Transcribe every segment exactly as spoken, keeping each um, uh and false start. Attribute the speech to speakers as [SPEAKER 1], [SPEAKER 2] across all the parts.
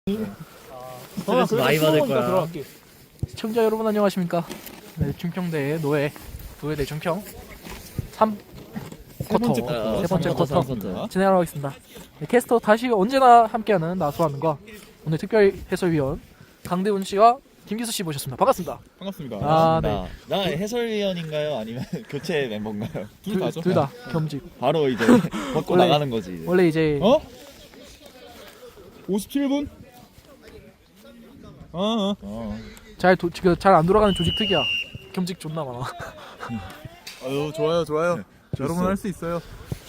[SPEAKER 1] 스트레스 많이 받을 거야.
[SPEAKER 2] 들어갈게. 시청자 여러분 안녕하십니까? 네, 중평대 노예 노예대 중평 삼 쿼터 세 번째,
[SPEAKER 1] 삼 쿼터,
[SPEAKER 2] 쿼터
[SPEAKER 1] 삼 쿼터.
[SPEAKER 2] 진행하러 가겠습니다. 네, 캐스터 다시 언제나 함께하는 나수하는과 오늘 특별 해설위원 강대훈 씨와 김기수 씨 모셨습니다. 반갑습니다.
[SPEAKER 3] 반갑습니다.
[SPEAKER 2] 아,
[SPEAKER 1] 나, 나 해설위원인가요? 아니면 교체 멤버인가요?
[SPEAKER 3] 둘 다죠.
[SPEAKER 2] 둘 다 겸직.
[SPEAKER 1] 바로 이제 벗고
[SPEAKER 2] 원래-
[SPEAKER 1] 나가는 거지. 이제.
[SPEAKER 2] 원래 이제
[SPEAKER 3] 어? 오십칠 분? 어, 어.
[SPEAKER 1] 어.
[SPEAKER 2] 잘 지금 잘 안 돌아가는 조직 특이야. 겸직 존나 많아.
[SPEAKER 3] 아유, 좋아요, 좋아요. 여러분 할 수 있어요.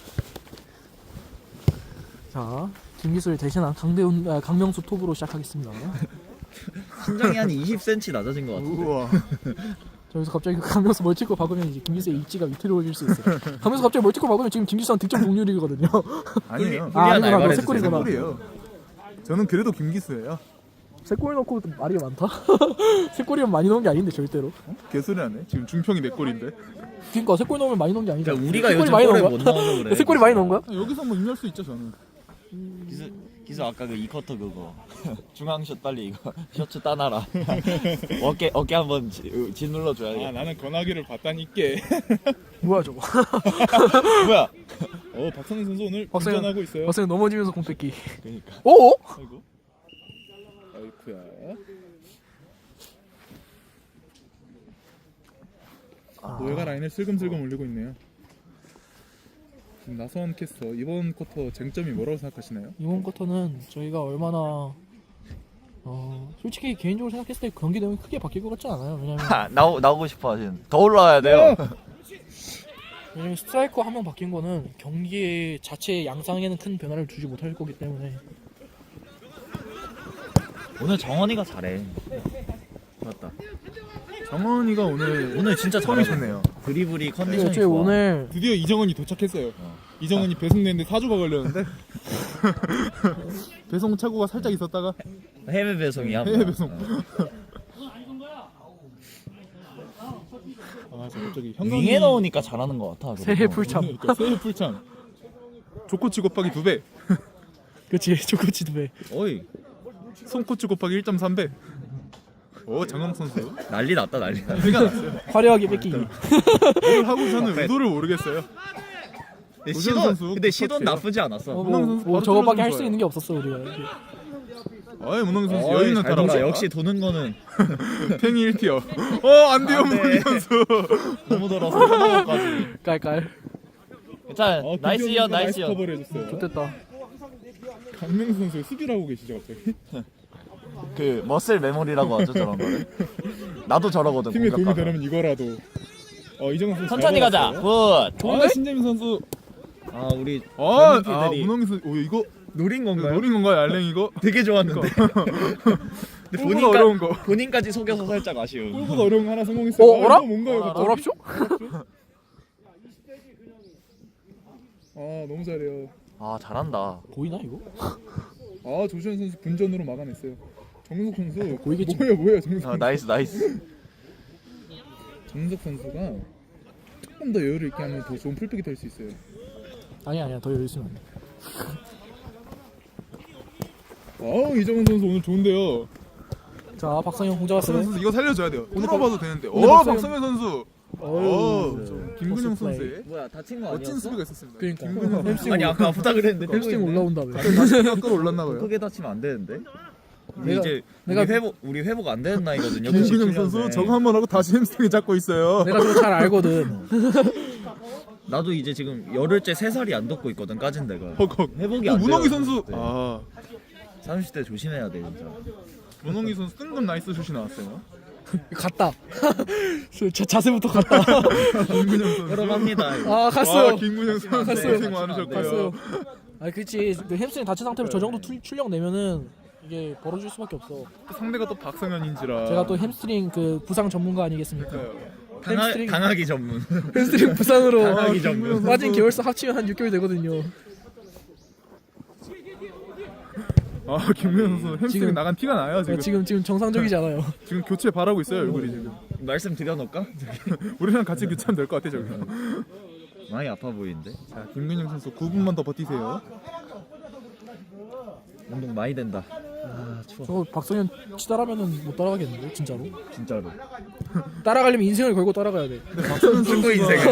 [SPEAKER 2] 자, 김기수를 대신한 강대훈 아, 강명수 톱으로 시작하겠습니다.
[SPEAKER 1] 신장이 한 이십 센티미터 낮아진 것 같은데.
[SPEAKER 3] 우와.
[SPEAKER 2] 자, 여기서 갑자기 강명수 멀티골 박으면 이제 김기수의 입지가 위태로워질 수 있어요. 강명수 갑자기 멀티골 박으면 지금 김기수랑 득점 동률이거든요.
[SPEAKER 3] 아니에요.
[SPEAKER 2] 아, 아니구나. 너
[SPEAKER 1] 알바를
[SPEAKER 2] 새골이구나.
[SPEAKER 3] 꼴이에요. 저는 그래도 김기수예요.
[SPEAKER 2] 세 골 넣고 말이 많다? 세 골이면 많이 넣은 게 아닌데 절대로.
[SPEAKER 3] 개소리하네. 지금 중평이 내 골인데.
[SPEAKER 2] 그러니까 세 골 넣으면 많이 넣은 게 아니잖아.
[SPEAKER 1] 그러니까 우리가
[SPEAKER 2] 세 골이
[SPEAKER 1] 요즘
[SPEAKER 2] 많이
[SPEAKER 1] 골을
[SPEAKER 2] 넣은
[SPEAKER 1] 못
[SPEAKER 2] 거야?
[SPEAKER 1] 넣어서 그래.
[SPEAKER 2] 세 골이 많이 넣은 거야?
[SPEAKER 3] 아, 여기서 뭐 입낼 수 있죠, 저는.
[SPEAKER 1] 기수, 기수 아까 그 이 쿼터 그거 중앙샷 빨리 이거 셔츠 따놔라. 어깨 어깨 한번 지, 짓눌러 줘야 돼.
[SPEAKER 3] 아, 나는 권하기를 봤다니까.
[SPEAKER 2] 뭐야 저거?
[SPEAKER 1] 뭐야?
[SPEAKER 3] 어, 박성희 선수 오늘
[SPEAKER 2] 박성현-
[SPEAKER 3] 운전하고 있어요.
[SPEAKER 2] 박성현 넘어지면서 공 뺏기.
[SPEAKER 1] 그러니까.
[SPEAKER 2] 오?
[SPEAKER 3] 아이고. 아이쿠야.
[SPEAKER 2] 아,
[SPEAKER 3] 노예가 라인을 슬금슬금 올리고 있네요. 지금 나선 캐스터 이번 쿼터 쟁점이 뭐라고 생각하시나요?
[SPEAKER 2] 이번 쿼터는 저희가 얼마나 어 솔직히 개인적으로 생각했을 때 경기 내용이 크게 바뀔 것 같지 않아요. 왜냐면
[SPEAKER 1] 하, 나오 나오고 싶어 지금. 더 올라와야 돼요.
[SPEAKER 2] 왜냐면 스트라이커 한 명 바뀐 거는 경기 자체 양상에는 큰 변화를 주지 못할 거기 때문에
[SPEAKER 1] 오늘 정원이가 잘해. 맞다.
[SPEAKER 3] 정원이가 오늘
[SPEAKER 1] 오늘 진짜
[SPEAKER 3] 폼이
[SPEAKER 1] 잘해.
[SPEAKER 3] 좋네요.
[SPEAKER 1] 드리블이
[SPEAKER 2] 근데
[SPEAKER 1] 컨디션이
[SPEAKER 2] 어차피
[SPEAKER 1] 좋아.
[SPEAKER 2] 오늘
[SPEAKER 3] 드디어 이정원이 도착했어요.
[SPEAKER 1] 어.
[SPEAKER 3] 이정원이 배송 내는데 사 주가 걸렸는데 배송 착오가 살짝 있었다가
[SPEAKER 1] 해외 배송이야.
[SPEAKER 3] 해외
[SPEAKER 1] 뭐야.
[SPEAKER 3] 배송.
[SPEAKER 1] 어.
[SPEAKER 3] 아, 저 갑자기
[SPEAKER 1] 윙에 넣으니까 잘하는 것 같아.
[SPEAKER 2] 새해
[SPEAKER 1] 그래도.
[SPEAKER 2] 풀참.
[SPEAKER 3] 그러니까 새해 풀참. 조코치 곱하기 두 배,
[SPEAKER 2] 그렇지 조코치 두 배.
[SPEAKER 1] 어이
[SPEAKER 3] 손코치 곱하기 일 점 삼 배. 오, 장강 선수.
[SPEAKER 1] 난리 났다 난리 났다.
[SPEAKER 3] 티가 났어요.
[SPEAKER 2] 화려하게 뺏기기.
[SPEAKER 3] 뭘 하고 저는
[SPEAKER 1] 앞에.
[SPEAKER 3] 의도를 모르겠어요.
[SPEAKER 1] 근데
[SPEAKER 3] 도전
[SPEAKER 1] 시돈
[SPEAKER 3] 선수
[SPEAKER 1] 근데 시돈
[SPEAKER 3] 똑같아요.
[SPEAKER 1] 나쁘지 않았어.
[SPEAKER 2] 어,
[SPEAKER 3] 문홍
[SPEAKER 2] 뭐,
[SPEAKER 3] 선수
[SPEAKER 2] 뭐
[SPEAKER 3] 바로
[SPEAKER 2] 저거밖에 할 수
[SPEAKER 3] 뚫어주는
[SPEAKER 2] 있는 게 없었어 우리가.
[SPEAKER 3] 아이, 문홍 선수
[SPEAKER 1] 어이,
[SPEAKER 3] 여유 있는
[SPEAKER 1] 잘 돌아.
[SPEAKER 3] 타락.
[SPEAKER 1] 역시 도는 거는
[SPEAKER 3] 팽이 일 티어. 어, 안 돼요,
[SPEAKER 1] 안 돼.
[SPEAKER 3] 문홍 선수.
[SPEAKER 1] 너무 돌아서 하나까지.
[SPEAKER 2] 깔깔.
[SPEAKER 1] 일단
[SPEAKER 3] 어,
[SPEAKER 1] 나이스
[SPEAKER 3] 김기현
[SPEAKER 1] 이어
[SPEAKER 3] 선수가
[SPEAKER 1] 나이스 이어.
[SPEAKER 3] 커버를 해줬어요.
[SPEAKER 2] 좋됐다.
[SPEAKER 3] 강명수 선수 수비를 하고 계시죠, 갑자기?
[SPEAKER 1] 그 머슬 메모리라고 하죠 저런 거를. 나도 저러거든.
[SPEAKER 3] 팀에 도움이
[SPEAKER 1] 공격하면.
[SPEAKER 3] 되려면 이거라도. 어, 이정현 선수
[SPEAKER 1] 천천히
[SPEAKER 3] 잘
[SPEAKER 1] 가자.
[SPEAKER 3] 받았어요.
[SPEAKER 1] 굿.
[SPEAKER 3] 아, 신재민 선수.
[SPEAKER 1] 아 우리
[SPEAKER 3] 아, 아
[SPEAKER 1] 팬들이
[SPEAKER 3] 문홍기 선수. 오, 이거
[SPEAKER 1] 노린 건가요?
[SPEAKER 3] 노린 건가요, 알랭 이거?
[SPEAKER 1] 되게 좋았는데. 근데
[SPEAKER 3] 골보다 어려운 거.
[SPEAKER 1] 본인까지 속여서 살짝 아쉬운.
[SPEAKER 3] 골보다 어려운 거 하나 성공했어요.
[SPEAKER 2] 어,
[SPEAKER 3] 아,
[SPEAKER 2] 어라?
[SPEAKER 3] 이거 뭔가요, 갑자기?
[SPEAKER 2] 어랍쇼?
[SPEAKER 3] 아, 너무 잘해요.
[SPEAKER 1] 아 잘한다.
[SPEAKER 2] 보이나 이거?
[SPEAKER 3] 아, 조시현 선수 분전으로 막아냈어요. 정석 선수.
[SPEAKER 2] 보이겠지.
[SPEAKER 3] 뭐예요, 뭐예요, 정석.
[SPEAKER 1] 아 나이스 나이스.
[SPEAKER 3] 정석 선수가 조금 더 여유를 있게 하면 더 좋은 풀백이 될 수 있어요.
[SPEAKER 2] 아니야 아니야 더 여유 있으면 안 돼.
[SPEAKER 3] 아, 이정현 선수 오늘 좋은데요.
[SPEAKER 2] 자 박성현 공 잡았어요.
[SPEAKER 3] 박성현 선수 이거 살려줘야 돼요. 오늘
[SPEAKER 2] 박-
[SPEAKER 3] 봐도 되는데. 오,
[SPEAKER 2] 오늘 박성현-
[SPEAKER 3] 박성현 선수.
[SPEAKER 2] 어휴,
[SPEAKER 3] 오,
[SPEAKER 2] 좀
[SPEAKER 3] 김근영
[SPEAKER 2] 버스 플레이.
[SPEAKER 3] 선수의
[SPEAKER 1] 뭐야 다친 거
[SPEAKER 3] 멋진 수비가 있었습니다.
[SPEAKER 2] 그러니까.
[SPEAKER 3] 김근영 선수.
[SPEAKER 2] 햄스트링
[SPEAKER 1] 아니 아까 부탁을 했는데
[SPEAKER 2] 햄스트링 올라온다며.
[SPEAKER 3] 다시 끌어올랐나 봐요.
[SPEAKER 1] 크게 다치면 안 되는데. 우리
[SPEAKER 2] 내가-
[SPEAKER 1] 이제
[SPEAKER 2] 내가-
[SPEAKER 1] 우리 회복 우리 회복 안 되는 나이거든요.
[SPEAKER 3] 김근영
[SPEAKER 1] 구십칠 년생.
[SPEAKER 3] 선수 저거 한 번 하고 다시 햄스트링 잡고 있어요.
[SPEAKER 2] 내가 그거 잘 알거든.
[SPEAKER 1] 나도 이제 지금 열흘째 세 살이 안 돋고 있거든 까진 데가.
[SPEAKER 3] 헉헉.
[SPEAKER 1] 회복이
[SPEAKER 3] 어,
[SPEAKER 1] 안 돼요.
[SPEAKER 3] 문홍기 선수.
[SPEAKER 1] 네.
[SPEAKER 3] 아,
[SPEAKER 1] 삼십 대 조심해야 돼 진짜.
[SPEAKER 3] 문홍기 선수 뜬금 나이스 슛이 나왔어요.
[SPEAKER 2] 갔다. 자, 자세부터 갔다.
[SPEAKER 3] 김근영 선수.
[SPEAKER 1] 여러합니다.
[SPEAKER 2] 아 갔어요.
[SPEAKER 3] 아, 김근영 선수
[SPEAKER 2] 갔어요.
[SPEAKER 3] 고생 많으셨고요.
[SPEAKER 2] 갔어요. 아 그렇지. 그 햄스트링 다친 상태로 저 정도 출, 출력 내면은 이게 벌어질 수밖에 없어.
[SPEAKER 3] 상대가 또 박성현인지라.
[SPEAKER 2] 제가 또 햄스트링 그 부상 전문가 아니겠습니까?
[SPEAKER 1] 강하,
[SPEAKER 2] 햄스트링-
[SPEAKER 1] 강하기 전문.
[SPEAKER 2] 햄스트링 부상으로
[SPEAKER 1] 강하기 전문.
[SPEAKER 2] 빠진 개월수 합치면 한 육 개월 되거든요.
[SPEAKER 3] 아, 김근영 선수 햄스트링
[SPEAKER 2] 지금-
[SPEAKER 3] 나간 티가 나요 지금.
[SPEAKER 2] 지금 지금 정상적이지 않아요.
[SPEAKER 3] 지금 교체 바라고 있어요 얼굴이 지금.
[SPEAKER 1] 말씀 드려놓을까?
[SPEAKER 3] 우리랑 같이 교체하면 될 것 같아 저기.
[SPEAKER 1] 많이 아파 보이는데.
[SPEAKER 3] 자, 김근영 선수 구 분만 더 버티세요.
[SPEAKER 1] 운동 많이 된다. 추워.
[SPEAKER 2] 저 박성현 치따라면은 못 따라가겠는데 진짜로.
[SPEAKER 1] 진짜로.
[SPEAKER 2] 따라가려면 인생을 걸고 따라가야 돼.
[SPEAKER 1] 축구 인생을.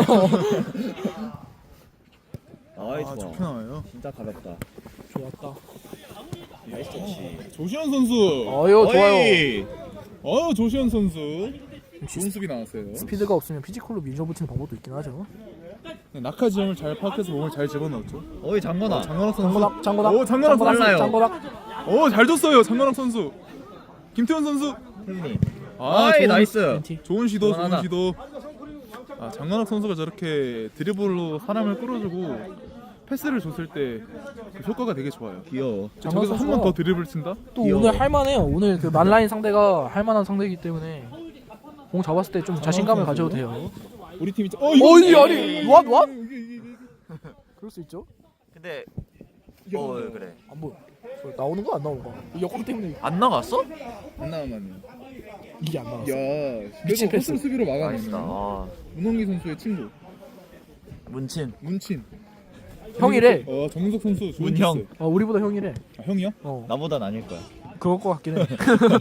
[SPEAKER 1] 아이
[SPEAKER 3] 아,
[SPEAKER 1] 좋아.
[SPEAKER 3] 좋게 나와요.
[SPEAKER 1] 진짜 가볍다.
[SPEAKER 2] 좋았다.
[SPEAKER 1] 나이스 터치.
[SPEAKER 3] 조시현 선수.
[SPEAKER 2] 어유 좋아요.
[SPEAKER 1] 어이.
[SPEAKER 3] 어, 조시현 선수. 좋은 수비 나왔어요.
[SPEAKER 2] 스피드가 없으면 피지컬로 밀어붙이는 방법도 있긴 하죠.
[SPEAKER 3] 네, 낙하 지점을 잘 파악해서 몸을 잘 집어넣었죠.
[SPEAKER 1] 어이 장건아.
[SPEAKER 3] 장건학 선수.
[SPEAKER 2] 장고닥 장고닥.
[SPEAKER 3] 오, 장건학 선수.
[SPEAKER 1] 빨라요.
[SPEAKER 2] 장고닥.
[SPEAKER 3] 오, 잘 줬어요. 장건학 선수. 김태현 선수.
[SPEAKER 1] 형님.
[SPEAKER 3] 아,
[SPEAKER 1] 아이
[SPEAKER 3] 좋은,
[SPEAKER 1] 나이스.
[SPEAKER 2] 멘티.
[SPEAKER 3] 좋은 시도, 좋은
[SPEAKER 1] 그만하다.
[SPEAKER 3] 시도. 아, 장건학 선수가 저렇게 드리블로 사람을 끌어주고 패스를 줬을 때 그 효과가 되게 좋아요.
[SPEAKER 1] 귀여워.
[SPEAKER 2] 장건학
[SPEAKER 3] 저기서 한 번
[SPEAKER 2] 선수가
[SPEAKER 3] 더 드리블 친다?
[SPEAKER 2] 또
[SPEAKER 1] 귀여워.
[SPEAKER 2] 오늘 할만해요. 오늘 그 만라인 상대가 할만한 상대이기 때문에 공 잡았을 때 좀 자신감을 가져도 돼요.
[SPEAKER 3] 우리 팀이 어,
[SPEAKER 2] 어이 아니 왓 왓?
[SPEAKER 3] 이게, 이게, 이게.
[SPEAKER 2] 그럴 수 있죠.
[SPEAKER 1] 근데
[SPEAKER 3] 야,
[SPEAKER 1] 어 그래.
[SPEAKER 2] 안 보여. 어, 나오는 거 안 나오는 거? 역공 때문에
[SPEAKER 1] 안 나갔어?
[SPEAKER 3] 안 나와만요.
[SPEAKER 2] 이게 안 나왔어.
[SPEAKER 3] 야,
[SPEAKER 2] 미친
[SPEAKER 3] 그래도
[SPEAKER 2] 패스.
[SPEAKER 3] 허슬 수비로
[SPEAKER 1] 나이스다.
[SPEAKER 3] 막아내네.
[SPEAKER 1] 아,
[SPEAKER 3] 문홍기 선수의 친구
[SPEAKER 1] 문친.
[SPEAKER 3] 문친.
[SPEAKER 2] 형이래.
[SPEAKER 3] 어, 정석 선수 좋은
[SPEAKER 1] 문형.
[SPEAKER 3] 패스.
[SPEAKER 2] 어 우리보다 형이래.
[SPEAKER 3] 아, 형이요?
[SPEAKER 2] 어
[SPEAKER 1] 나보단 아닐 거야.
[SPEAKER 2] 그럴 것 같긴 해.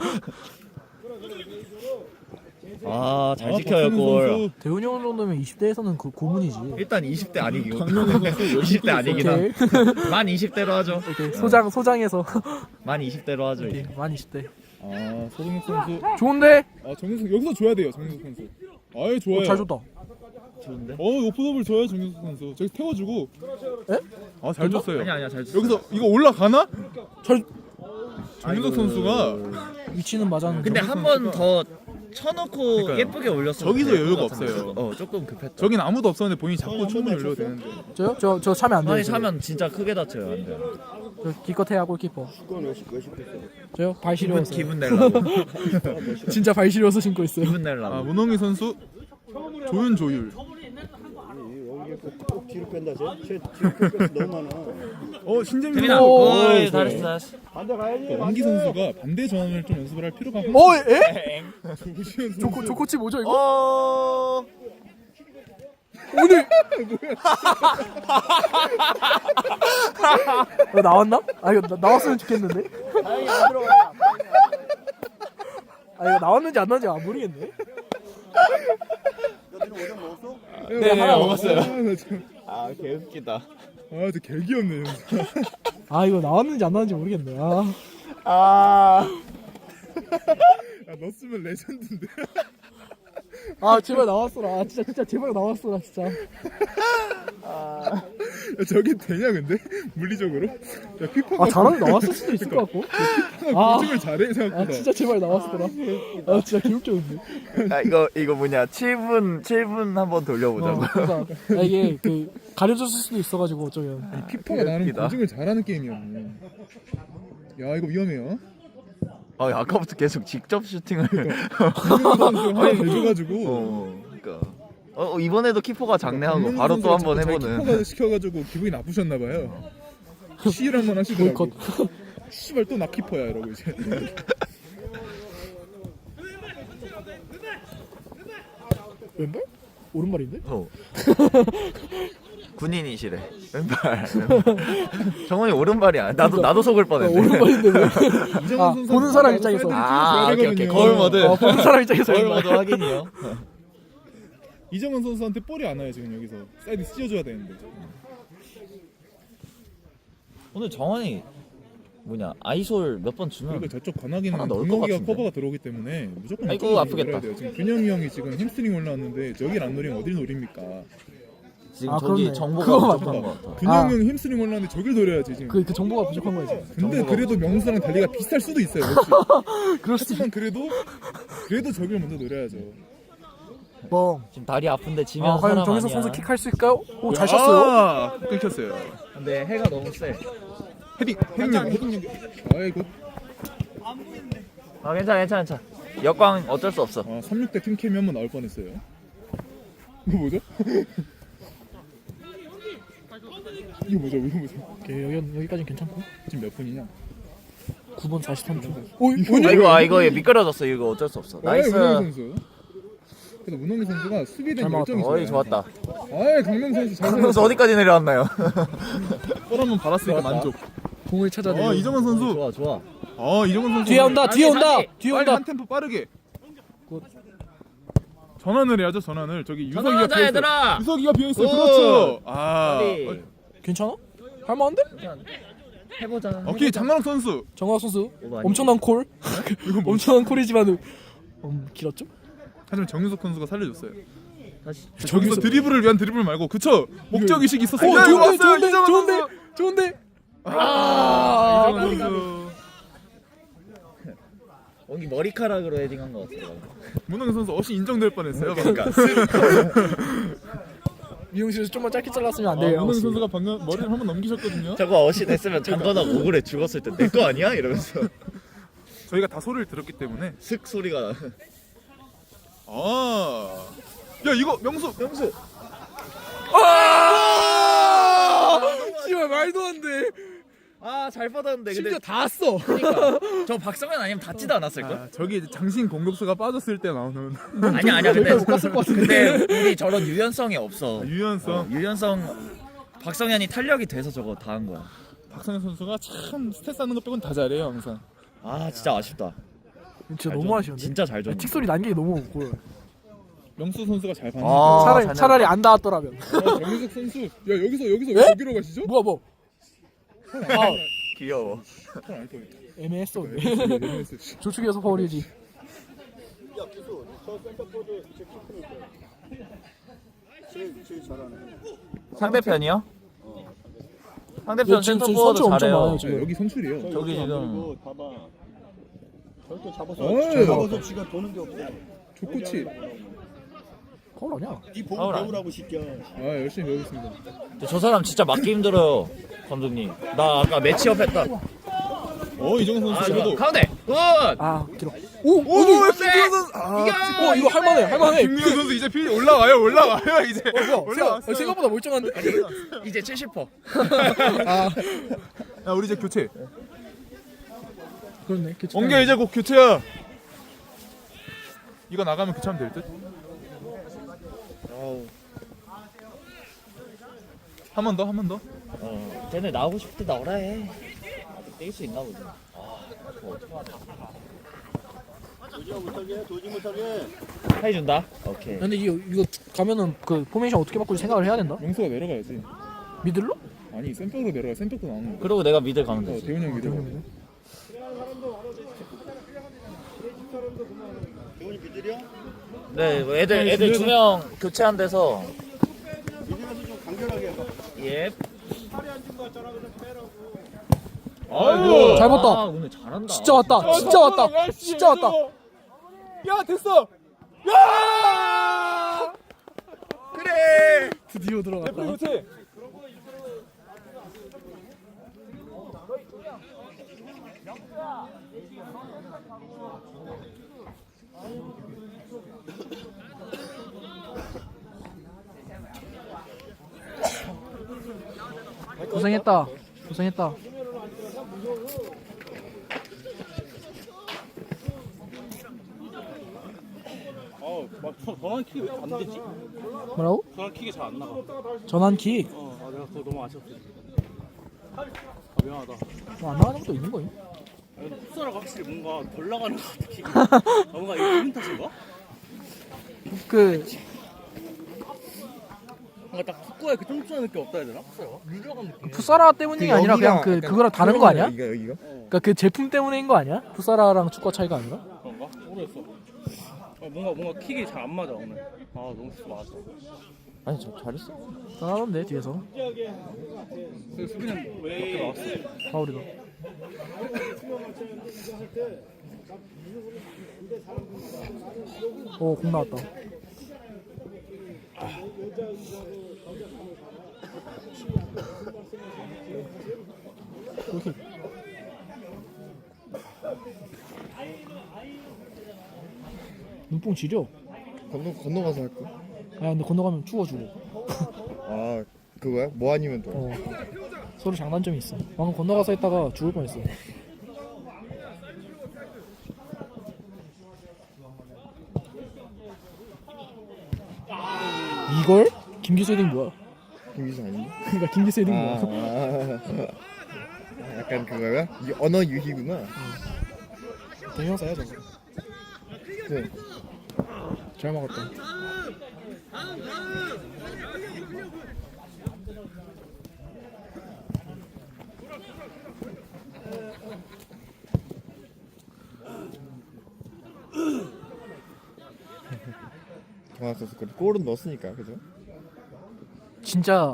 [SPEAKER 1] 아, 잘
[SPEAKER 3] 아,
[SPEAKER 1] 지켜요
[SPEAKER 3] 박성훈
[SPEAKER 1] 골.
[SPEAKER 3] 선수.
[SPEAKER 2] 대훈이 형 정도면 이십 대에서는 그 고문이지.
[SPEAKER 1] 일단 이십 대 아니기고.
[SPEAKER 3] 강명훈 선수
[SPEAKER 1] 이십 대 아니긴 함.
[SPEAKER 2] 오케이.
[SPEAKER 1] 만 이십 대로 하죠.
[SPEAKER 2] 오케이. 소장 소장에서
[SPEAKER 1] 만 이십 대로 하죠.
[SPEAKER 2] 오케이.
[SPEAKER 1] 이제.
[SPEAKER 2] 만 이십 대.
[SPEAKER 3] 아, 서동혁 선수.
[SPEAKER 2] 좋은데?
[SPEAKER 3] 아, 정석 여기서 줘야 돼요, 정석 선수. 아유, 좋아요.
[SPEAKER 2] 어, 잘 줬다.
[SPEAKER 1] 좋은데?
[SPEAKER 3] 어, 오프더블 줘요, 정석 선수. 저기 태워주고.
[SPEAKER 2] 에?
[SPEAKER 3] 아, 잘 줬어요.
[SPEAKER 1] 아니야 아니야 잘.
[SPEAKER 3] 여기서 이거 올라가나?
[SPEAKER 2] 잘
[SPEAKER 3] 정석 선수가
[SPEAKER 2] 위치는 맞았는데.
[SPEAKER 1] 근데 한 번 더 쳐놓고
[SPEAKER 3] 그러니까요.
[SPEAKER 1] 예쁘게 올렸으면
[SPEAKER 3] 저기서
[SPEAKER 1] 될것
[SPEAKER 3] 여유가
[SPEAKER 1] 같은데.
[SPEAKER 3] 없어요.
[SPEAKER 1] 어 조금 급했다.
[SPEAKER 3] 저긴 아무도 없었는데 본인이 자꾸 충분히 올려도 되는데.
[SPEAKER 2] 저요? 저 저 차면 안 돼요.
[SPEAKER 1] 아니
[SPEAKER 2] 저.
[SPEAKER 1] 차면 진짜 크게 다쳐요. 안 돼.
[SPEAKER 2] 저 기껏해야 골키퍼. 저요? 발
[SPEAKER 1] 기분
[SPEAKER 2] 시려워서.
[SPEAKER 1] 기분 내려고.
[SPEAKER 2] 진짜 발 시려워서 신고 있어요.
[SPEAKER 1] 기분
[SPEAKER 3] 아,
[SPEAKER 1] 내려고.
[SPEAKER 3] 문홍희 선수 조윤 조율.
[SPEAKER 4] 꼭 뒤로 뺀다 쟤. 쟤 뒤로 뺀 너무 많아.
[SPEAKER 3] 어, 신재민
[SPEAKER 1] 재민아.
[SPEAKER 3] 선수.
[SPEAKER 1] 어이
[SPEAKER 2] 오,
[SPEAKER 1] 잘했어 잘했어.
[SPEAKER 4] 반대 가야지.
[SPEAKER 3] 원기 선수가 반대 전환을 좀 연습을 할 필요가
[SPEAKER 2] 어, 에?
[SPEAKER 3] 조시현 선수.
[SPEAKER 2] 조코 조코치 뭐죠 이거?
[SPEAKER 1] 어.
[SPEAKER 2] 오늘 이거 나왔나? 아 이거 나, 나왔으면 좋겠는데. 아 이거 나왔는지 안 나왔는지 안 모르겠네.
[SPEAKER 3] 네,
[SPEAKER 1] 하나 먹었어요.
[SPEAKER 3] 아, 나 참-
[SPEAKER 1] 아 개웃기다.
[SPEAKER 3] 아, 저 개귀엽네.
[SPEAKER 2] 아 이거 나왔는지 안 나왔는지 모르겠네. 아
[SPEAKER 1] 아.
[SPEAKER 3] 야, 넣었으면 레전드인데.
[SPEAKER 2] 아 제발 나왔어라. 아, 진짜 진짜 제발 나왔어라 진짜.
[SPEAKER 3] 야, 저게 되냐 근데 물리적으로? 야, 피파가
[SPEAKER 2] 아 잘하면 나왔을 수도 있을 것 같고. 아,
[SPEAKER 3] 보증을 잘해 생각보다.
[SPEAKER 2] 아 진짜 제발 나왔어라. 아 진짜 개웃겼는데.
[SPEAKER 1] 아 이거 이거 뭐냐 칠 분 칠 분 한번 돌려보자고.
[SPEAKER 2] 어, 그러니까 아, 이게 그 가려졌을 수도 있어가지고 어쩌면.
[SPEAKER 3] 피파가 나는
[SPEAKER 1] 웃기다.
[SPEAKER 3] 보증을 잘하는 게임이었네. 야, 이거 위험해요.
[SPEAKER 1] 아 아까부터 계속 직접 슈팅을.
[SPEAKER 3] 김민호 선수 하나 대줘가지고.
[SPEAKER 1] 어 그러니까. 어 어, 이번에도 키퍼가 장내하고
[SPEAKER 3] 김민호
[SPEAKER 1] 바로 또
[SPEAKER 3] 선수가
[SPEAKER 1] 한번
[SPEAKER 3] 자꾸 자기
[SPEAKER 1] 해보는.
[SPEAKER 3] 키퍼가 시켜가지고 기분이 나쁘셨나봐요. 시일 한번 하시더라고.
[SPEAKER 2] 보이콧.
[SPEAKER 3] 씨발 또 나 키퍼야 이러고 이제.
[SPEAKER 2] 왼발? 오른발인데?
[SPEAKER 1] 어. 군인이시래. 왼발. 정원이 오른발이야. 나도 나도 속을
[SPEAKER 2] 아,
[SPEAKER 1] 뻔했네.
[SPEAKER 2] 오른발인데 왜?
[SPEAKER 3] 이정훈
[SPEAKER 2] 아,
[SPEAKER 3] 선수
[SPEAKER 2] 보는 사람 입장에서.
[SPEAKER 1] 아, 오케이, 오케이.
[SPEAKER 3] 되거든요.
[SPEAKER 1] 거울 모드.
[SPEAKER 2] 어, 보는 사람 입장에서
[SPEAKER 1] 거울
[SPEAKER 2] 왼발.
[SPEAKER 1] 모드 확인이요.
[SPEAKER 3] 이정훈 선수한테 볼이 안 와요 지금 여기서. 사이드 씌워줘야 되는데.
[SPEAKER 1] 오늘 정원이 뭐냐 아이솔 몇 번 주면
[SPEAKER 3] 그리고 저쪽 관악이는
[SPEAKER 1] 하나 넣을 것
[SPEAKER 3] 동혁이가
[SPEAKER 1] 같은데.
[SPEAKER 3] 커버가 들어오기 때문에 무조건
[SPEAKER 1] 아이고,
[SPEAKER 3] 이쪽으로
[SPEAKER 1] 아프겠다.
[SPEAKER 3] 노려야 돼요. 지금 근영이 형이 지금 햄스트링 올라왔는데 저길 안 노리면 어딜 노립니까?
[SPEAKER 1] 지금
[SPEAKER 2] 아,
[SPEAKER 1] 저기
[SPEAKER 2] 그렇네.
[SPEAKER 1] 정보가
[SPEAKER 2] 그거
[SPEAKER 1] 부족한
[SPEAKER 2] 맞다.
[SPEAKER 1] 것 같아.
[SPEAKER 3] 근영이
[SPEAKER 2] 아.
[SPEAKER 3] 형 햄스트링 올라왔는데 저길 노려야지 지금.
[SPEAKER 2] 그, 그 정보가 부족한 거지.
[SPEAKER 3] 근데
[SPEAKER 1] 정보가
[SPEAKER 3] 그래도 명수랑 달리가 비슷할 수도 있어요. 그렇지?
[SPEAKER 2] 그럴 수도
[SPEAKER 3] 하지만 그래도 그래도 저길 먼저 노려야죠.
[SPEAKER 2] 뻥.
[SPEAKER 1] 지금 다리 아픈데 지면
[SPEAKER 2] 아, 과연
[SPEAKER 1] 사람
[SPEAKER 2] 정혜석
[SPEAKER 1] 아니야.
[SPEAKER 2] 선수 킥할 수 있을까요? 오, 잘 쳤어요.
[SPEAKER 3] 아, 끊겼어요.
[SPEAKER 1] 근데 해가 너무 세.
[SPEAKER 3] 헤딩 헤딩 연결 헤딩 연결. 아이고.
[SPEAKER 1] 아 괜찮아 괜찮아 괜찮아. 역광 어쩔 수 없어.
[SPEAKER 3] 아, 삼십육 대 팀캠이 한번 나올 뻔했어요. 이거 뭐죠? 이거 뭐죠? 이거 뭐죠?
[SPEAKER 2] 오케이, 여기, 여기까지는 괜찮고.
[SPEAKER 3] 지금 몇 분이냐?
[SPEAKER 2] 구 분 사십삼 초.
[SPEAKER 3] 오,
[SPEAKER 1] 아 이거 아 이거 미끄러졌어. 이거 어쩔 수 없어. 나이스.
[SPEAKER 3] 문홍희 선수. 그래도 문홍희 선수가 수비된
[SPEAKER 2] 잘
[SPEAKER 3] 열정이
[SPEAKER 1] 어이
[SPEAKER 3] 좋아요.
[SPEAKER 1] 좋았다.
[SPEAKER 3] 아, 강명 선수 잘
[SPEAKER 1] 강명수 어디까지 내려왔나요?
[SPEAKER 3] 골 한번 받았으니까
[SPEAKER 2] 좋았다.
[SPEAKER 3] 만족.
[SPEAKER 2] 공을 찾아내.
[SPEAKER 3] 어, 이정환 선수.
[SPEAKER 1] 좋아 좋아.
[SPEAKER 3] 어 이정은 선수
[SPEAKER 2] 뒤에 온다 뒤에 온다
[SPEAKER 1] 상대.
[SPEAKER 2] 뒤에
[SPEAKER 3] 빨리
[SPEAKER 2] 온다.
[SPEAKER 3] 한 템포 빠르게
[SPEAKER 2] 굿.
[SPEAKER 3] 전환을 해야죠. 전환을 저기 유석이가
[SPEAKER 1] 전환하자,
[SPEAKER 3] 비어있어요.
[SPEAKER 1] 얘들아.
[SPEAKER 3] 유석이가 비어있어요.
[SPEAKER 1] 굿.
[SPEAKER 3] 그렇죠. 아
[SPEAKER 1] 빨리.
[SPEAKER 3] 어,
[SPEAKER 2] 괜찮아? 할만한데?
[SPEAKER 1] 해보자.
[SPEAKER 3] 오케이 장만욱 선수
[SPEAKER 2] 정광 선수
[SPEAKER 1] 오버 아니야?
[SPEAKER 2] 엄청난 콜.
[SPEAKER 3] 이거 뭐
[SPEAKER 2] 엄청난 콜이지만 음, 길었죠?
[SPEAKER 3] 하지만 정유석 선수가 살려줬어요.
[SPEAKER 1] 다시.
[SPEAKER 3] 저기서 드리블을 위한 드리블 말고 그쵸? 목적 의식이 있었어요.
[SPEAKER 2] 어,
[SPEAKER 3] 야, 이거
[SPEAKER 2] 좋은데
[SPEAKER 3] 왔어요.
[SPEAKER 2] 좋은데
[SPEAKER 3] 이정은
[SPEAKER 2] 좋은데
[SPEAKER 3] 선수.
[SPEAKER 2] 좋은데.
[SPEAKER 3] 아, 이정은 선수.
[SPEAKER 1] 원기 머리카락으로 헤딩한 것 같아요.
[SPEAKER 3] 문홍 선수 어시 인정될 뻔했어요.
[SPEAKER 1] 그러니까.
[SPEAKER 2] 미용실에서 좀만 짧게 잘랐으면 안
[SPEAKER 3] 아,
[SPEAKER 2] 돼요.
[SPEAKER 3] 문홍 선수가 방금 머리를 한번 넘기셨거든요.
[SPEAKER 1] 저거 어시 됐으면 장건아 오글에 죽었을 때 내 거 아니야? 이러면서
[SPEAKER 3] 저희가 다 소리를 들었기 때문에.
[SPEAKER 1] 슥 소리가.
[SPEAKER 3] 아, 야 이거 명수.
[SPEAKER 1] 명수.
[SPEAKER 2] 아! 씨발 말도 안 돼.
[SPEAKER 1] 아잘 받았는데 근데
[SPEAKER 2] 심지어 다 왔어.
[SPEAKER 1] 그러니까 저 박성현 아니면 닿지도 않았을 걸?
[SPEAKER 3] 아, 저기 이제 장신 공격수가 빠졌을 때 나오는
[SPEAKER 1] 아니야 아니야 근데
[SPEAKER 2] 못 갔을 것 같은데.
[SPEAKER 1] 근데 우리 저런 유연성이 없어.
[SPEAKER 3] 유연성.
[SPEAKER 1] 어, 유연성 박성현이 탄력이 돼서 저거 다 한 거야.
[SPEAKER 3] 박성현 선수가 참 스탯 쌓는 것 빼고는 다 잘해요 항상.
[SPEAKER 1] 아 진짜 아쉽다.
[SPEAKER 2] 진짜
[SPEAKER 1] 잘
[SPEAKER 2] 너무
[SPEAKER 1] 줬-
[SPEAKER 2] 아쉬운데.
[SPEAKER 1] 진짜 잘 줬네.
[SPEAKER 2] 틱 소리 난 게 너무 보여.
[SPEAKER 3] 명수 선수가 잘 봤는데.
[SPEAKER 1] 아,
[SPEAKER 2] 차라리
[SPEAKER 1] 잘
[SPEAKER 2] 차라리 안 닿았더라면.
[SPEAKER 3] 어, 정유석 선수. 야 여기서 여기서 왜 여기로 가시죠?
[SPEAKER 2] 뭐야 뭐. 아
[SPEAKER 1] 귀여워.
[SPEAKER 3] 안 떠요.
[SPEAKER 2] 애매했어. 근데. 조축이어서 파울이지.
[SPEAKER 4] 야 기수 저 센터포드 제 키크니까 제일 제일 잘하네.
[SPEAKER 1] 상대편이요?
[SPEAKER 2] 근데
[SPEAKER 1] 상대편
[SPEAKER 2] 지금
[SPEAKER 1] 센터
[SPEAKER 2] 선수
[SPEAKER 1] 포워드
[SPEAKER 2] 엄청
[SPEAKER 1] 잘해요.
[SPEAKER 2] 많아요,
[SPEAKER 3] 네,
[SPEAKER 2] 지금.
[SPEAKER 3] 여기 선출이에요.
[SPEAKER 1] 저기
[SPEAKER 4] 여기서 안
[SPEAKER 1] 지금-
[SPEAKER 4] 그리고 봐봐. 저렇게 잡아서
[SPEAKER 3] 어이.
[SPEAKER 4] 잡아서 지가 도는 게 없어.
[SPEAKER 3] 족구치.
[SPEAKER 2] 파울 아니야?
[SPEAKER 4] 이 보고
[SPEAKER 1] 파울 아니야.
[SPEAKER 4] 배우라고 시켜.
[SPEAKER 3] 아 열심히 배우겠습니다.
[SPEAKER 1] 근데 저 사람 진짜 맞기 힘들어요, 감독님. 나 아까 매치업 했다.
[SPEAKER 3] 어 이정은 선수
[SPEAKER 1] 아,
[SPEAKER 3] 그래도.
[SPEAKER 1] 가운데. 굿.
[SPEAKER 2] 아 길어. 오
[SPEAKER 3] 오,
[SPEAKER 2] 어디?
[SPEAKER 3] 김민현 선수. 아,
[SPEAKER 2] 어 이거 할만해 할만해.
[SPEAKER 3] 김민현 선수 이제 피 올라와요 올라와요 이제.
[SPEAKER 2] 어, 뭐야?
[SPEAKER 3] 올라왔어.
[SPEAKER 2] 생각- 생각보다 멀쩡한데?
[SPEAKER 1] 이제 칠십 퍼센트.
[SPEAKER 2] 아
[SPEAKER 3] 야 우리 이제 교체.
[SPEAKER 2] 그렇네. 교체
[SPEAKER 3] 원계 이제 곧 교체야. 이거 나가면 교체하면 될 듯. 한 번 더, 한 번 더.
[SPEAKER 1] 어, 쟤네 나오고 싶을 때 나오라 해. 아직 뛸 수 있나 보지. 아, 그거 어떡하냐.
[SPEAKER 4] 도지가 못하게 도지 못하게.
[SPEAKER 1] 해준다. 오케이.
[SPEAKER 2] 근데 이거 이거 가면은 그 포메이션 어떻게 바꿀지 생각을 해야 된다.
[SPEAKER 3] 명수가 내려가야지.
[SPEAKER 2] 미들로?
[SPEAKER 3] 아니 센백으로 내려가. 센백도 나오는 거.
[SPEAKER 1] 그리고 내가 미들 가면
[SPEAKER 3] 어,
[SPEAKER 1] 되지.
[SPEAKER 3] 대훈이 형 미들.
[SPEAKER 4] 대훈이 미들이야?
[SPEAKER 1] 네, 뭐 애들 애들 두 명 교체한 데서.
[SPEAKER 4] 미들에서 좀 간결하게 해봐.
[SPEAKER 1] 예.
[SPEAKER 3] 아이고.
[SPEAKER 2] 잘 봤다.
[SPEAKER 1] 아, 오늘 잘한다.
[SPEAKER 2] 진짜 왔다. 진짜 왔다. 진짜 왔다.
[SPEAKER 3] 야 됐어. 야. 그래.
[SPEAKER 2] 드디어 들어갔다.
[SPEAKER 3] 교체.
[SPEAKER 2] 고생했다. 고생했다.
[SPEAKER 4] 어막 전환 킥이 왜 안 되지?
[SPEAKER 2] 뭐라고?
[SPEAKER 4] 전환 킥이 잘 안 나가.
[SPEAKER 2] 전환킥.
[SPEAKER 4] 어, 아, 내가 그거 너무 아쉬웠어. 아, 미안하다.
[SPEAKER 2] 뭐안 나가는 것도 있는 거임?
[SPEAKER 4] 풋살가 확실히 뭔가 덜 나가는 것 같아. 킥이. 아, 뭔가 이거 기분 탓인가?
[SPEAKER 2] 그
[SPEAKER 4] 뭔가 딱 축구에 그 쫀쫀한 느낌 없다 해야 되나? 풋살가? 물 들어간 느낌.
[SPEAKER 2] 풋사라 때문이 아니라 그냥 그 그거랑 다른 거 아니야?
[SPEAKER 3] 여기가 여기가.
[SPEAKER 2] 그러니까 그 제품 때문인 거 아니야? 풋사라랑 축구 차이가 아니라?
[SPEAKER 4] 그런가? 모르겠어. 어, 뭔가 뭔가 킥이 잘 안 맞아 오늘. 아 너무 스스 맞았어.
[SPEAKER 1] 아니 저 잘했어.
[SPEAKER 2] 잘하던데 뒤에서
[SPEAKER 4] 그 수비는 왜 나왔어?
[SPEAKER 2] 파울이다. 오, 공 나왔다. 골킥. 눈뽕 지려.
[SPEAKER 5] 건너 건너가서 할 거?
[SPEAKER 2] 아 근데 건너가면 추워주고.
[SPEAKER 5] 아 그거야? 뭐 아니면 또?
[SPEAKER 2] 어. 서로 장단점이 있어. 방금 건너가서 했다가 죽을 뻔했어. 이걸? 김기수 헤딩 뭐야?
[SPEAKER 5] 김기수 아닌가?
[SPEAKER 2] 그러니까 김기수 헤딩
[SPEAKER 5] 아,
[SPEAKER 2] 뭐야?
[SPEAKER 5] 아, 아, 약간 그거야? 이 언어 유희구나.
[SPEAKER 2] 동영상이야 저거.
[SPEAKER 5] 네.
[SPEAKER 2] 잘 먹었다.
[SPEAKER 5] 정한 선수 그 골은 넣었으니까 그죠?
[SPEAKER 2] 진짜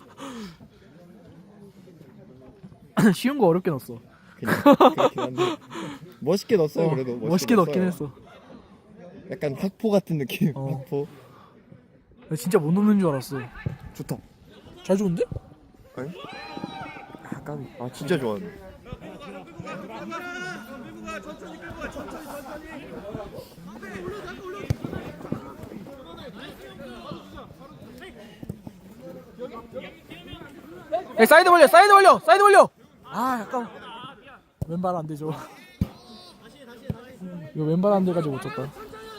[SPEAKER 2] 쉬운 거 어렵게 넣었어.
[SPEAKER 5] 그냥 그렇긴 한데 멋있게 넣었어요.
[SPEAKER 2] 어,
[SPEAKER 5] 그래도 멋있게,
[SPEAKER 2] 멋있게 넣긴
[SPEAKER 5] 넣었어요.
[SPEAKER 2] 했어.
[SPEAKER 5] 약간 학포 같은 느낌.
[SPEAKER 2] 어.
[SPEAKER 5] 학포.
[SPEAKER 2] 나 진짜 못 넣는 줄 알았어.
[SPEAKER 5] 좋다.
[SPEAKER 2] 잘 좋은데?
[SPEAKER 5] 아니? 약간 아 진짜 좋아하네.
[SPEAKER 2] 야, 사이드 벌려, 사이드 벌려, 사이드 벌려. 아, 약간 왼발 안 되죠. 이거 왼발 안 돼가지고 못 쳤다.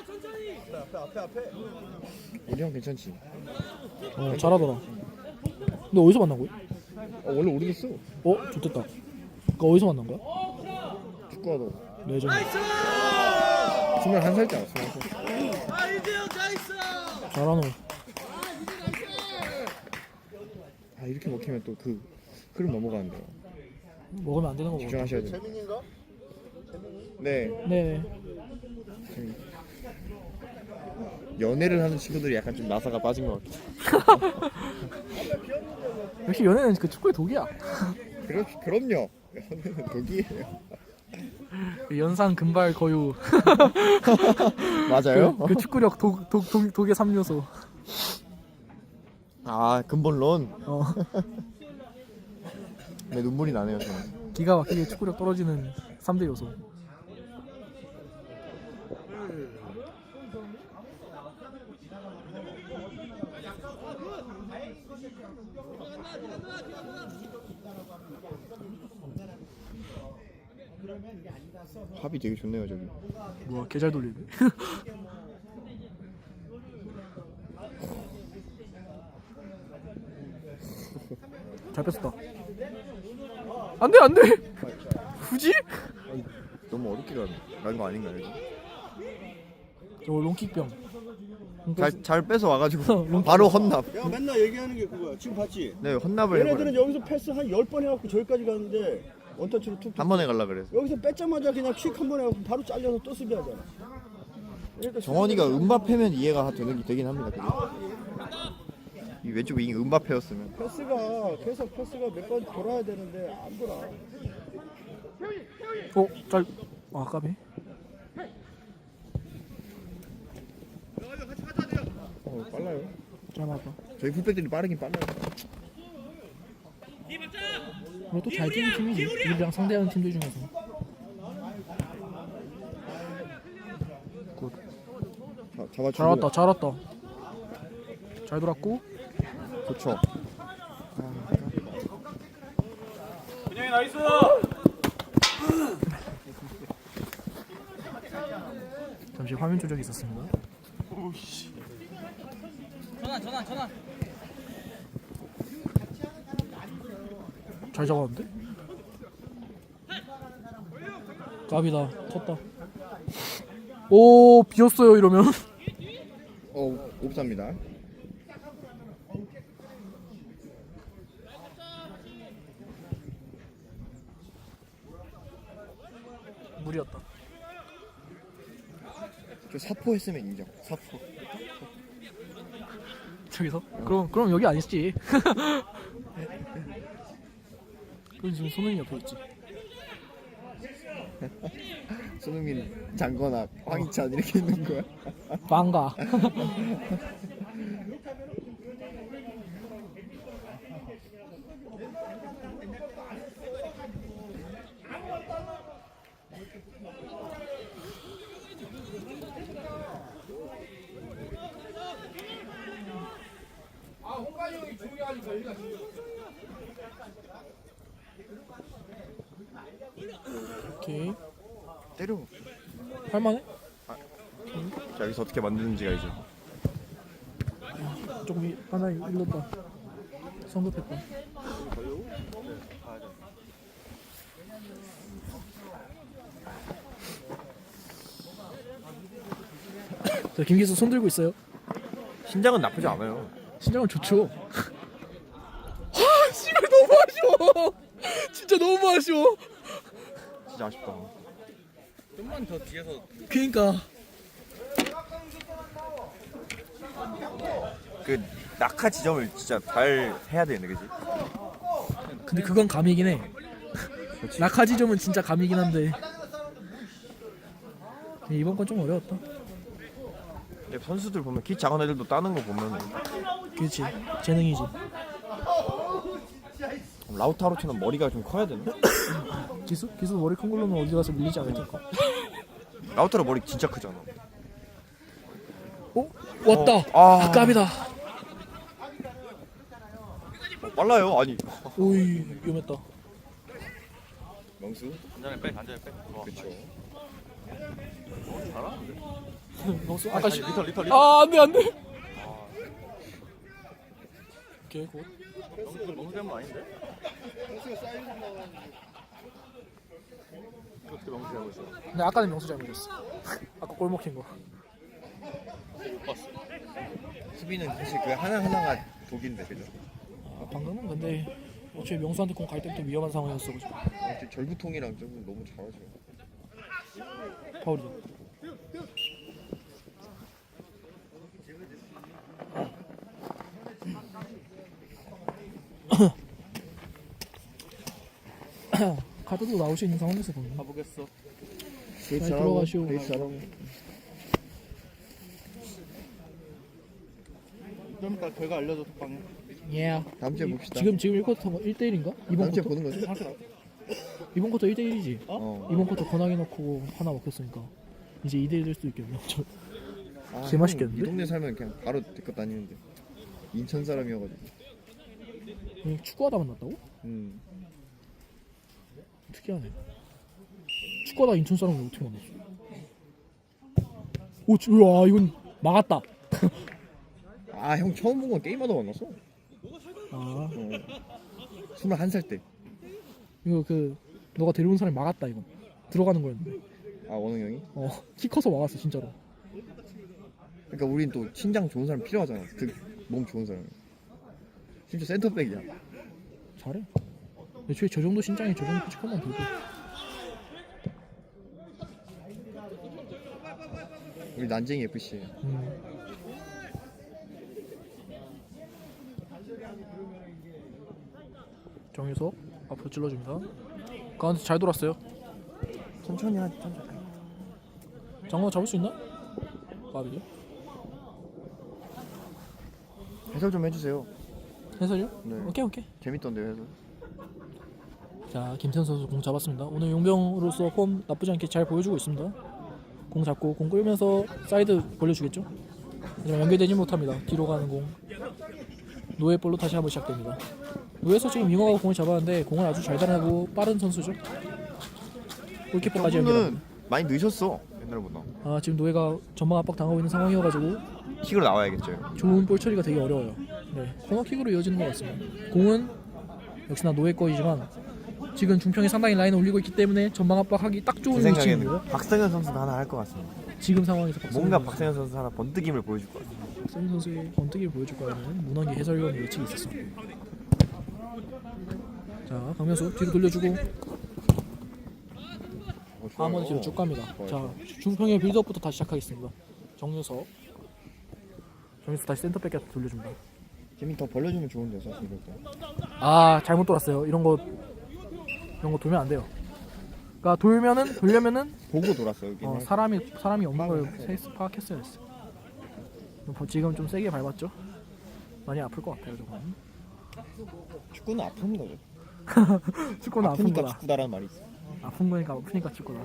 [SPEAKER 5] 우리 형 괜찮지?
[SPEAKER 2] 어, 잘하더라. 근데 어디서 만난 거야?
[SPEAKER 5] 어, 원래 우리도 쓰.
[SPEAKER 2] 어, 좋됐다. 그거 어디서 만난 거야?
[SPEAKER 5] 축구하도
[SPEAKER 2] 레전.
[SPEAKER 5] 스물한 살짜리. 스물한 살.
[SPEAKER 2] 잘하노.
[SPEAKER 5] 아 이렇게 먹히면 또 그 흐름 넘어가는데요.
[SPEAKER 2] 먹으면 안 되는 거 먹어.
[SPEAKER 5] 집중하셔야 돼요. 네.
[SPEAKER 2] 네.
[SPEAKER 5] 재민. 연애를 하는 친구들이 약간 좀 나사가 빠진 것 같아.
[SPEAKER 2] 역시 연애는 그 축구의 독이야.
[SPEAKER 5] 그럼 그럼요. 연애는 독이에요.
[SPEAKER 2] 연상 금발 거유.
[SPEAKER 5] 맞아요?
[SPEAKER 2] 그, 그 축구력 독, 독, 독, 독의 삼 요소.
[SPEAKER 5] 아 근본론.
[SPEAKER 2] 어.
[SPEAKER 5] 네 눈물이 나네요 저는.
[SPEAKER 2] 기가 막히게 축구력 떨어지는 삼 대 요소.
[SPEAKER 5] 합이 되게 좋네요 저기.
[SPEAKER 2] 뭐야, 개 잘 돌리네. 잘 뺐었다. 안 돼, 안 돼. 굳이?
[SPEAKER 5] 너무 어렵게 가는 거 아닌가요? 이거?
[SPEAKER 2] 저거 롱킥병.
[SPEAKER 5] 잘, 잘 뺏어 와가지고
[SPEAKER 2] 롱킥.
[SPEAKER 5] 바로 헌납.
[SPEAKER 6] 야 맨날 얘기하는 게 그거야. 지금 봤지?
[SPEAKER 5] 네 헌납을
[SPEAKER 6] 얘네들은
[SPEAKER 5] 해버려.
[SPEAKER 6] 여기서 패스 한 열 번 해갖고 저기까지 가는데 원터치로 툭툭
[SPEAKER 5] 한 번에 갈라 그래서.
[SPEAKER 6] 여기서 뺏자마자 그냥 킥 한 번 해갖고 바로 잘려서 또 수비하잖아. 그러니까
[SPEAKER 5] 정원이가 음바페면 이해가 되는 되긴 합니다. 그게. 이 왼쪽 윙 음바페였으면.
[SPEAKER 6] 패스가 계속 패스가 몇 번 돌아야 되는데 안 돌아.
[SPEAKER 2] 어, 잘. 아, 까비.
[SPEAKER 5] 어 빨라요.
[SPEAKER 2] 잘 맞다.
[SPEAKER 5] 저희 풀백들이 빠르긴 빨라요.
[SPEAKER 2] 그리고 또 잘 뛰는 팀이지. 우리랑 상대하는 팀들 중에서. 굿.
[SPEAKER 5] 자, 잡아주고.
[SPEAKER 2] 잘 왔다, 잘 왔다. 잘 돌았고.
[SPEAKER 5] 좋죠.
[SPEAKER 4] 그냥이 나이스.
[SPEAKER 2] 잠시 화면 조작이 있었습니다.
[SPEAKER 4] 전환 전환 전환.
[SPEAKER 2] 잘 잡았는데? 까비다. 쳤다. 오, 비었어요 이러면.
[SPEAKER 5] 어 옵사입니다.
[SPEAKER 2] 무리였다.
[SPEAKER 5] 저 사포 했으면 인정. 사포.
[SPEAKER 2] 저기서? 그럼 그럼 여기 아니지. 그럼 지금 손흥민 옆에 있지.
[SPEAKER 5] 손흥민, 장건학, 황희찬 이렇게 있는 거야.
[SPEAKER 2] 방가. 오케이.
[SPEAKER 5] 때려.
[SPEAKER 2] 할만해?
[SPEAKER 5] 자 여기서 어떻게 만드는지가 이제.
[SPEAKER 2] 조금 이- 하나 일렀다. 성급했다. 자, 김기수 손 들고 있어요.
[SPEAKER 5] 신장은 나쁘지 않아요.
[SPEAKER 2] 신장은 좋죠. 아, 씨발 너무 아쉬워. 진짜 너무 아쉬워.
[SPEAKER 5] 진짜 아쉽다.
[SPEAKER 4] 좀만 더 뒤에서
[SPEAKER 2] 그러니까
[SPEAKER 5] 그 낙하 지점을 진짜 잘 해야 되는데, 그지?
[SPEAKER 2] 근데 그건 감이긴 해. 낙하지점은 진짜 감이긴 한데 이번 건 좀 어려웠다.
[SPEAKER 5] 근데 선수들 보면 키 작은 애들도 따는 거 보면
[SPEAKER 2] 그렇지, 재능이지.
[SPEAKER 5] 라우타로처럼 머리가 좀 커야 되나?
[SPEAKER 2] 기수? 기수 머리 큰 걸로는 어디 가서 밀리지 않을 텐가.
[SPEAKER 5] 라우타로 머리 진짜 크잖아.
[SPEAKER 2] 어? 왔다.
[SPEAKER 5] 어, 아.
[SPEAKER 2] 아, 깝이다.
[SPEAKER 5] 어, 빨라요. 아니.
[SPEAKER 2] 오이, 위험했다.
[SPEAKER 5] 명수?
[SPEAKER 1] 간장에 빼 간장에 빼.
[SPEAKER 5] 그렇죠.
[SPEAKER 2] 명수 아까 시...
[SPEAKER 1] 리터 리터 리터.
[SPEAKER 2] 아, 안돼 안돼. 오케이 굿.
[SPEAKER 1] 너무 너무 되는 거 아닌데? 어떻게 너무 잘하고 있어?
[SPEAKER 2] 근데 아까는 명수 잘못했어. 아까 골 먹힌 거.
[SPEAKER 5] 수비는 사실 그 하나 하나가 독인데, 그죠?
[SPEAKER 2] 아, 방금은 근데 어차피 명수한테 공 갈 때부터 위험한 상황이었어. 그죠?
[SPEAKER 5] 어, 절구통이랑 좀 너무 잘하죠.
[SPEAKER 2] 파울이다. 카드도 나올 수 있는 상황에서 보면
[SPEAKER 4] 가보겠어.
[SPEAKER 2] 잘 들어가시오.
[SPEAKER 4] 좀 이따 결과 알려줘 덕방에.
[SPEAKER 2] 예.
[SPEAKER 5] 다음 주에 봅시다.
[SPEAKER 2] 지금 지금 일 쿼터 일 대 일인가? 이번
[SPEAKER 5] 다음 주에
[SPEAKER 2] 쿼터?
[SPEAKER 5] 보는 거죠?
[SPEAKER 2] 이번 쿼터 일 대 일이지.
[SPEAKER 5] 어.
[SPEAKER 2] 이번 쿼터 권하게 넣고 하나 먹혔으니까 이제 이 대 일 될 수도 있겠네요. 저
[SPEAKER 5] 아,
[SPEAKER 2] 개 맛있겠는데?
[SPEAKER 5] 형, 이 동네 살면 그냥 바로 데리고 다니는데. 인천 사람이어가지고.
[SPEAKER 2] 그냥 축구하다 만났다고?
[SPEAKER 5] 음.
[SPEAKER 2] 특이하네. 축구하다 인천 사람을 어떻게 만났어? 오, 주- 우와, 이건 막았다.
[SPEAKER 5] 아, 형 처음 본 건 게임하다 만났어.
[SPEAKER 2] 아,
[SPEAKER 5] 어. 스물한 살 때.
[SPEAKER 2] 이거 그 너가 데려온 사람이 막았다 이건. 들어가는 거였는데.
[SPEAKER 5] 아, 원웅 형이?
[SPEAKER 2] 어, 키 커서 막았어 진짜로.
[SPEAKER 5] 그러니까 우린 또 신장 좋은 사람 필요하잖아. 등, 몸 좋은 사람. 심지어 센터백이야.
[SPEAKER 2] 잘해. 애초에 저 정도 신장에 저 정도 피지컬만 들고.
[SPEAKER 5] 우리 난쟁이 에프씨예요.
[SPEAKER 2] 음. 정유석 앞으로 찔러줍니다. 가운데 잘 돌았어요.
[SPEAKER 5] 천천히 하지, 천천히.
[SPEAKER 2] 장관 잡을 수 있나? 빠르게.
[SPEAKER 5] 해설 좀 해주세요.
[SPEAKER 2] 해설이요?
[SPEAKER 5] 네.
[SPEAKER 2] 오케이 오케이.
[SPEAKER 5] 재밌던데요, 해설.
[SPEAKER 2] 자, 김태현 선수 공 잡았습니다. 오늘 용병으로서 폼 나쁘지 않게 잘 보여주고 있습니다. 공 잡고 공 끌면서 사이드 벌려주겠죠? 하지만 연결되지 못합니다. 뒤로 가는 공. 노예 볼로 다시 한번 시작됩니다. 노예에서 지금 윙어가 공을 잡았는데 공을 아주 잘 달아내고 빠른 선수죠. 골키퍼까지
[SPEAKER 5] 저분은
[SPEAKER 2] 연결합니다.
[SPEAKER 5] 많이 늦었어, 옛날보다.
[SPEAKER 2] 아, 지금 노예가 전방 압박 당하고 있는 상황이어가지고
[SPEAKER 5] 킥으로 나와야겠죠.
[SPEAKER 2] 좋은 볼 처리가 되게 어려워요. 네, 코너킥으로 이어지는 것 같습니다. 공은 역시나 노예 거이지만 지금 중평이 상당히 라인을 올리고 있기 때문에 전방 압박하기 딱 좋은
[SPEAKER 5] 제
[SPEAKER 2] 위치입니다.
[SPEAKER 5] 생각에는 박성현 선수도 하나 할 것 같습니다.
[SPEAKER 2] 지금 상황에서 박성현
[SPEAKER 5] 뭔가
[SPEAKER 2] 선수,
[SPEAKER 5] 박성현 선수 하나 번뜩임을 보여줄 것 같아요.
[SPEAKER 2] 박성현 선수의 번뜩이를 보여줄 거라는 문헌기 해설위원 예측이 있었습니다. 자, 강명수 뒤로 돌려주고
[SPEAKER 5] 어, 좋아요.
[SPEAKER 2] 한번 뒤로 쭉 갑니다.
[SPEAKER 5] 좋아요,
[SPEAKER 2] 자,
[SPEAKER 5] 좋아요.
[SPEAKER 2] 중평의 빌드업부터 다시 시작하겠습니다. 정유석 정유석 다시 센터백한테 돌려줍니다.
[SPEAKER 5] 재민 더 벌려주면 좋은데, 사실 이럴 때.
[SPEAKER 2] 아, 잘못 돌았어요. 이런 거 이런 거 돌면 안 돼요. 그러니까 돌면은 돌려면은
[SPEAKER 5] 보고 돌았어, 여기.
[SPEAKER 2] 어, 사람이 사람이 없는 걸 세이스 파악했어야 했어. 지금 좀 세게 밟았죠? 많이 아플 것 같아요, 저건.
[SPEAKER 5] 축구는 아픈 거죠.
[SPEAKER 2] 축구는 아픈
[SPEAKER 5] 아프니까
[SPEAKER 2] 거다.
[SPEAKER 5] 축구다라는 말이 있어.
[SPEAKER 2] 아픈 거니까 아프니까 축구다.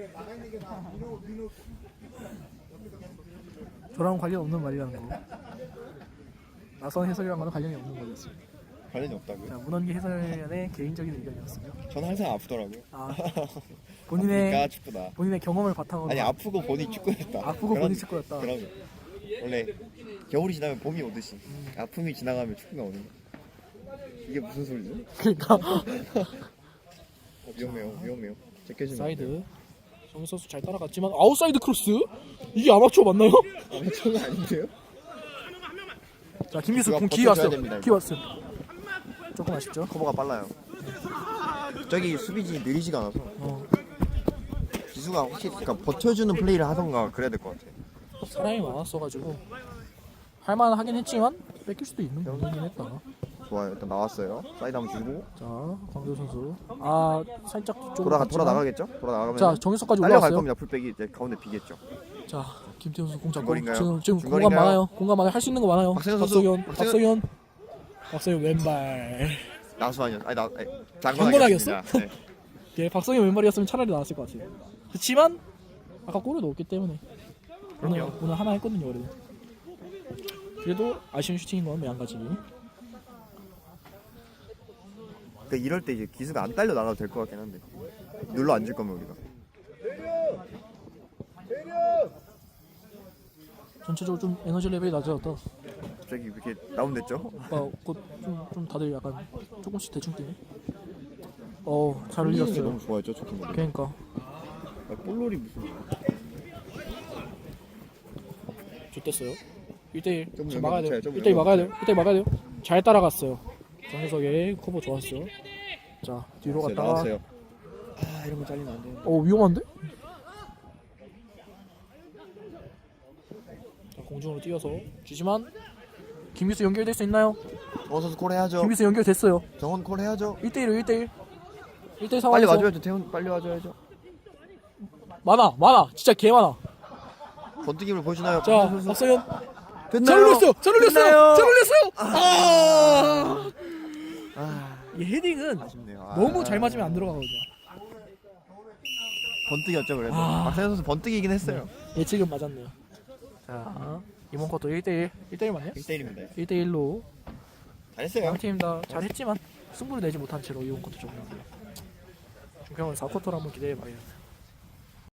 [SPEAKER 2] 저랑 관련 없는 말이라는 거. 나선 해설이랑은 관련이 없는 거였습니다.
[SPEAKER 5] 관련이 없다고요?
[SPEAKER 2] 자, 문헌기 해설위원의 개인적인 의견이었습니다.
[SPEAKER 5] 저는 항상 아프더라고요.
[SPEAKER 2] 아,
[SPEAKER 5] 그러니까
[SPEAKER 2] 본인의
[SPEAKER 5] 축구다.
[SPEAKER 2] 본인의 경험을 바탕으로
[SPEAKER 5] 아니, 아프고 보니 축구였다.
[SPEAKER 2] 아프고
[SPEAKER 5] 그런-
[SPEAKER 2] 보니 축구였다.
[SPEAKER 5] 그러면 원래 겨울이 지나면 봄이 오듯이 아픔이 지나가면 축구가 오는 거야. 이게 무슨 소리지?
[SPEAKER 2] 그러니까
[SPEAKER 5] 어, 위험해요, 위험해요. 제껴주면 안 돼요.
[SPEAKER 2] 사이드 정현 선수 잘 따라갔지만 아웃사이드 크로스? 이게 아마추어 맞나요?
[SPEAKER 5] 아마추어가 아닌데요?
[SPEAKER 2] 자 김기수
[SPEAKER 5] 이거
[SPEAKER 2] 공 기회
[SPEAKER 5] 버텨줘야
[SPEAKER 2] 왔어요.
[SPEAKER 5] 됩니다,
[SPEAKER 2] 기회 왔어요. 조금 아쉽죠?
[SPEAKER 5] 커버가 빨라요. 저기 수비진이 느리지가 않아서
[SPEAKER 2] 어,
[SPEAKER 5] 기수가 확실히 그러니까 버텨주는 플레이를 하던가 그래야 될 것 같아.
[SPEAKER 2] 사람이 많았어가지고 할만하긴 했지만 뺏길 수도 있는 부분이긴 했다.
[SPEAKER 5] 좋아요. 일단 나왔어요. 사이드 한번 주고
[SPEAKER 2] 자 광교 선수 아 살짝 쪽으로
[SPEAKER 5] 돌아가
[SPEAKER 2] 갔지만-
[SPEAKER 5] 돌아 나가겠죠? 돌아 나가면
[SPEAKER 2] 자 정유석까지
[SPEAKER 5] 딸려갈
[SPEAKER 2] 올라왔어요.
[SPEAKER 5] 겁니다. 풀백이 이제 가운데 비겠죠.
[SPEAKER 2] 자 김태훈 선수 공 잡고
[SPEAKER 5] 중거리인가요?
[SPEAKER 2] 지금 지금 공간
[SPEAKER 5] 중거리인가요?
[SPEAKER 2] 많아요. 공간 많아요. 할 수 있는 거 많아요.
[SPEAKER 5] 박세현 선수,
[SPEAKER 2] 박서현
[SPEAKER 5] 박세현.
[SPEAKER 2] 박서현 박서현 왼발.
[SPEAKER 5] 나수 아니야? 아니 나 아니,
[SPEAKER 2] 장건학이었어?
[SPEAKER 5] 장건학이었습니다. 네.
[SPEAKER 2] 예, 박성현 왼발이었으면 차라리 나왔을 것 같아요. 그렇지만 아까 골을 넣었기 때문에 오늘
[SPEAKER 5] 그럼요.
[SPEAKER 2] 오늘 하나 했거든요. 그래도 그래도 아쉬운 슈팅인 건 매한가지.
[SPEAKER 5] 그러니까 이럴 때 이제 기수가 안 딸려 나가도 될 것 같긴 한데 눌러 앉을 거면 우리가
[SPEAKER 2] 전체적으로 좀 에너지 레벨이 낮아졌다.
[SPEAKER 5] 갑자기 이렇게 다운됐죠?
[SPEAKER 2] 아까 곧좀 좀 다들 약간 조금씩 대충 뛰네. 어, 잘
[SPEAKER 5] 흘리는 게
[SPEAKER 2] 흘렸어요.
[SPEAKER 5] 너무 좋아했죠 초킹볼이.
[SPEAKER 2] 그러니까
[SPEAKER 5] 아, 볼놀이 무슨
[SPEAKER 2] 좋댔어요. 일 대 일.
[SPEAKER 5] 좀
[SPEAKER 2] 잘 막아야 돼요.
[SPEAKER 5] 연결 붙여요, 좀
[SPEAKER 2] 일 대 일 막아야 돼요.
[SPEAKER 5] 연결
[SPEAKER 2] 일 대 일 막아야 돼요. 잘 따라갔어요. 정혜석의 커버 좋았어요. 자, 뒤로
[SPEAKER 5] 글쎄,
[SPEAKER 2] 갔다가
[SPEAKER 5] 나왔어요. 아 이런 거 잘리면 안 되는데.
[SPEAKER 2] 어, 위험한데? 자, 공중으로 뛰어서 주지만 김기수 연결될 수 있나요?
[SPEAKER 5] 정원 선수 콜 해야죠.
[SPEAKER 2] 김기수 연결됐어요.
[SPEAKER 5] 정원 콜 해야죠.
[SPEAKER 2] 일 대 일로 일 대 일. 일 대 일
[SPEAKER 5] 빨리
[SPEAKER 2] 상황에서
[SPEAKER 5] 와줘야죠. 태훈 빨리 와줘야죠.
[SPEAKER 2] 많아. 많아. 진짜 개 많아.
[SPEAKER 5] 번뜩임을 보여주나요?
[SPEAKER 2] 자,
[SPEAKER 5] 선수.
[SPEAKER 2] 박서현
[SPEAKER 5] 됐나요?
[SPEAKER 2] 잘 올렸어요. 잘 올렸어요.
[SPEAKER 5] 됐나요?
[SPEAKER 2] 잘 올렸어요. 아!
[SPEAKER 5] 아
[SPEAKER 2] 이 헤딩은
[SPEAKER 5] 아쉽네요. 아.
[SPEAKER 2] 너무 잘 맞으면 안 들어가거든요.
[SPEAKER 5] 번뜩이었죠 그래도.
[SPEAKER 2] 아.
[SPEAKER 5] 박세현 선수 번뜩이긴 했어요.
[SPEAKER 2] 예측은 맞았네요. 자, 이번 쿼터 일 대 일. 일 대 일 맞냐?
[SPEAKER 5] 일 대 일입니다.
[SPEAKER 2] 일 대 일로
[SPEAKER 5] 잘했어요.
[SPEAKER 2] 양팀 다 잘했지만 승부를 내지 못한 채로 이번 쿼터 종료. 중평은 사 쿼터를 한번 기대해 봐야겠네요.